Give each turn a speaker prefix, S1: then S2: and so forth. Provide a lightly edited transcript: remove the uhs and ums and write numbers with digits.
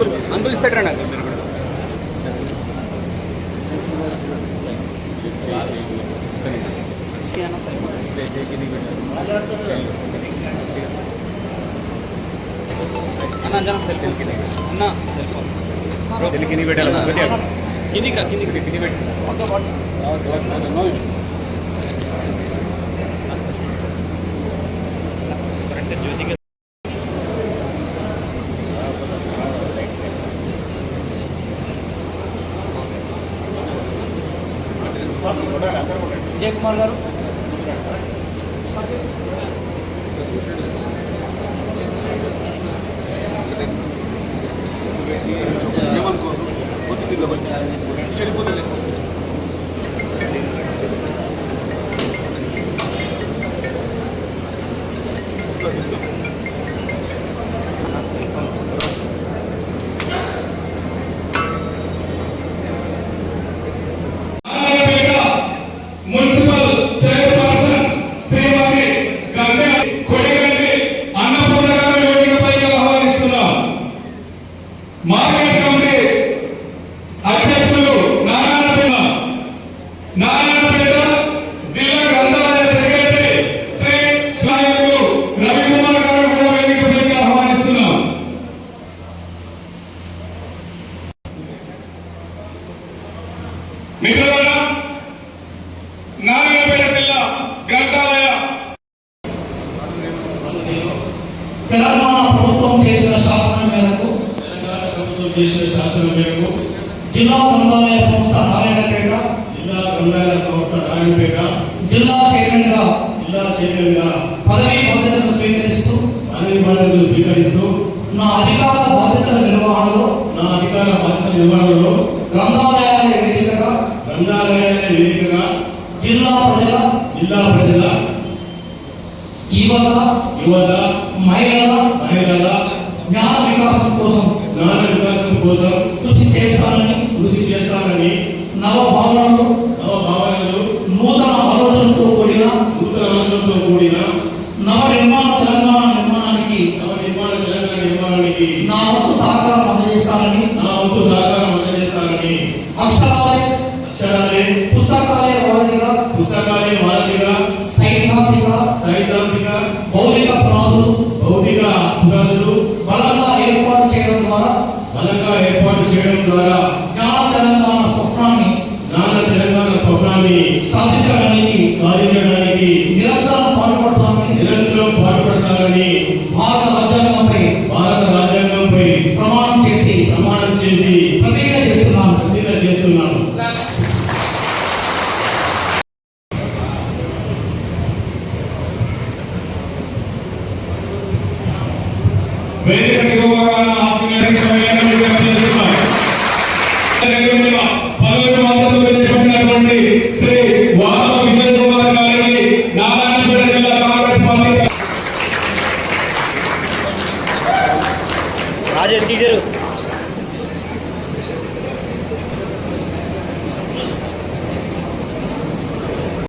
S1: Uncle ఇస్తాడు uncle మీరు కూడా అన్న జనం సెల్ఫీ అన్న సెల్ఫీ పెట్టాలి కిందికి పెట్టి జ్యోతిగా విజయ్ కుమార్ గారు చెడిపోతుంది మిత్రులారా, నారాయణపేట జిల్లా గ్రంథాలయ
S2: తెలంగాణ ప్రభుత్వం చేసిన శాసనం మేరకు జిల్లా గ్రంథాలయ సంస్థ నారాయణపేట జిల్లా చైర్మన్గా పదవీ బాధ్యతలు స్వీకరిస్తూ నా అధికార బాధ్యతల నిర్వహణలో గ్రంథాలయాల వేదికగా జిల్లా ప్రజల యువత మహిళల జ్ఞాన వికాసం కోసం కృషి చేస్తానని నవ భావనలు నూతన ఆలోచనలతో కూడిన నవ నిర్మాణ తెలంగాణ నిర్మాణానికి నా వంతు సహకారం అందజేస్తానని అక్షరాలయ పుస్తకాలయ వారధిగా సైద్ధాంతిక భౌతిక పునాదులు బలంగా ఏర్పాటు చేయడం ద్వారా జ్ఞాన తెలంగాణ స్వప్నాన్ని సాధించడానికి నిరంతరం పాటుపడతానని భారత రాజ్యాంగంపై ప్రమాణం చేసి ప్రతిజ్ఞ చేస్తున్నాను.
S3: వేదిక